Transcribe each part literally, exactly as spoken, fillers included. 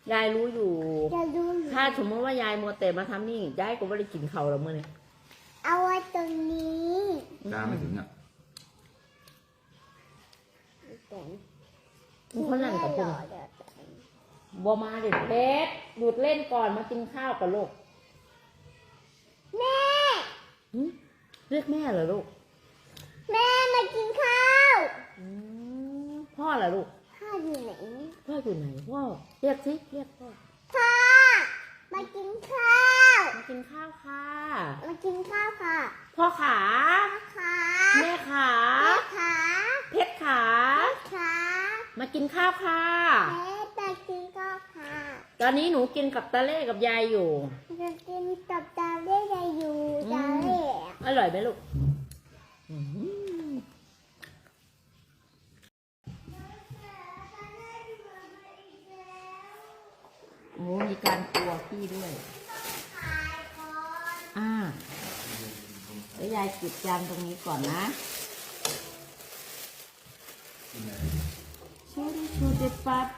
ยายรู้อยู่จะดูอยู่ถ้าสมมติว่ายายมัวแต่มาทำนี่ยายก็ไม่ได้กินเขาวแล้วมื่อนี้เอาไว้ตรงนี้ตาไม่ถึงอ่ะเพราะนั่นกับคุณบัวมาเด็ดเพชรหยุดเล่นก่อนมากินข้าวกับลูกแม่หึเรียกแม่เหรอลูกแม่มากินข้าวอืมพ่อเหรอลูกพ่ออยู่ไหนพ่ออยู่ไหนพ่อเรียกสิเรียกพ่อพ่อมากินข้าวมากินข้าวค่ะมากินข้าวค่ะพ่อขาขาแม่ขาแม่ขาเพชรขาขามากินข้าวค่ะแม่จะกินข้าวค่ะตอนนี้หนูกินกับตาเล่กับยายอยู่จะกินกับตาเล่ยายอยู่ตาเล่อร่อยไหมลูกอืมโอ้มีการกลัวพี่ด้วย อ่าแล้วยายเก็บจานตรงนี้ก่อนนะชูดิชูดิปัด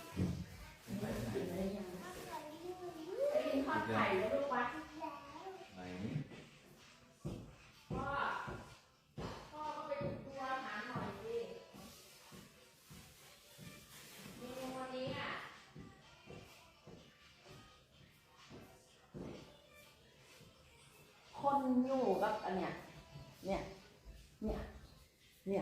ทอดไข่แล้วลูกปัดพ่อพ่อก็ไปดูตัวอาหารหน่อยสิเมนูวันนี้อ่ะคนอยู่กับอันเนี้ยเนี่ยเนี่ยเนี่ย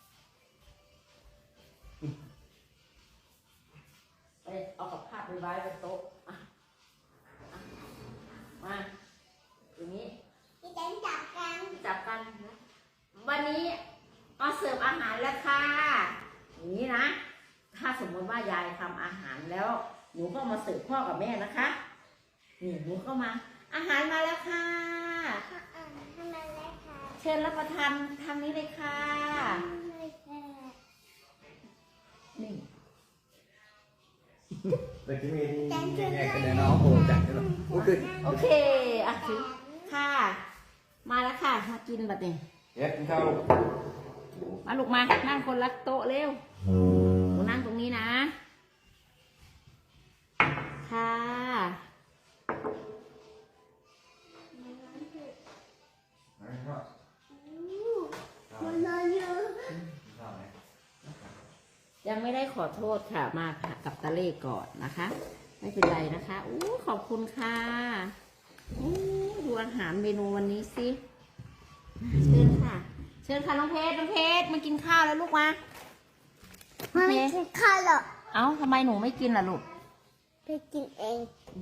ไปเอากับข้าวไปไว้บนโต๊ะอ่ะอ่ะมาอย่างนี้พี่แตนจับกันจับกันนะวันนี้ก็เสิร์ฟอาหารแล้วค่ะอย่างนี้นะ ถ้าสมมติว่ายายทำอาหารแล้ว หนูก็มาเสิร์ฟพ่อกับแม่นะคะนี่หนูเข้ามา อาหารมาแล้วค่ะพ่ออ่านทำไมเลยค่ะเชิญรับประทานทางนี้เลยค่ะเลยค่ะนี่แต่ที่มีที่แง่กันเลยเนาะโอ้จัดเลยโอ้คือโอเคอ่ะถือค่ะ มาแล้วค่ะมากินบัดนี้เฮ็ดกินข้าวมาลูกมานั่งคนละโต๊ะเร็วหนูนั่งตรงนี้นะ ค่ะมันนอนอยู่ยังไม่ได้ขอโทษค่ะมาค่ะกับตาเล่ก่อนนะคะ ไม่เป็นไรนะคะอู้ขอบคุณค่ะอู้ดูอาหารเมนูวันนี้สิเชิญค่ะ เชิญค่ะน้องเพชรน้องเพชรมากินข้าวแล้วลูกมามันไม่กินข้าวหรอกเอ้าทำไมหนูไม่กินล่ะลูกไปกินเอง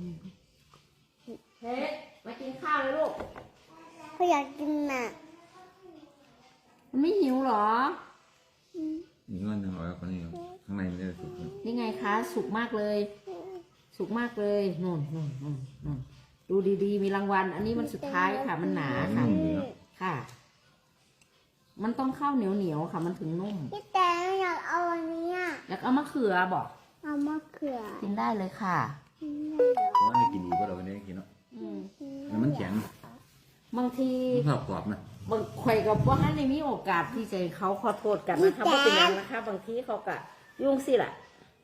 เพชรมากินข้าวเลยลูกเขาอยากกินน่ะมันไม่หิวเหรอมีเงินหนึ่งร้อยคนนี้ข้างในมันจะสุกนี่ไงคะ สุกมากเลย สุกมากเลยนู่นนู่นนู่นนู่นดูดีๆ มีรางวัล อันนี้มันสุดท้ายค่ะ มันหนาค่ะ ค่ะ มันต้องเข้าเหนียวเหนียวๆค่ะ มันถึงนุ่มพี่แตนอยากเอาอันนี้อ่ะแล้วเอามะเขือบอกเอามะเขือกินได้เลยค่ะเพราะว่าไม่กินดีก็เราไม่ได้กินเนาะอืมแล้วมันแข็งบางทีมันกรอบกรอบนะบางใครกับว่าให้ในมีโอกาสที่จะเขาขอโทษกันนะคะเพราะเป็นอย่างนะคะ บางทีเขากะยุ่งสิแหละ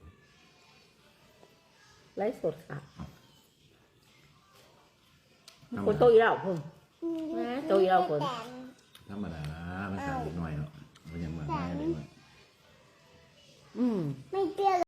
ไลฟ์สดค่ะคนโตอีแล้วพุ่ม ตัวอีเราคนธรรมดาภาษาเด็กหน่อยเนาะมันยังเหมือนไม่เด็กหน่อยอืมไม่เปรี้ยว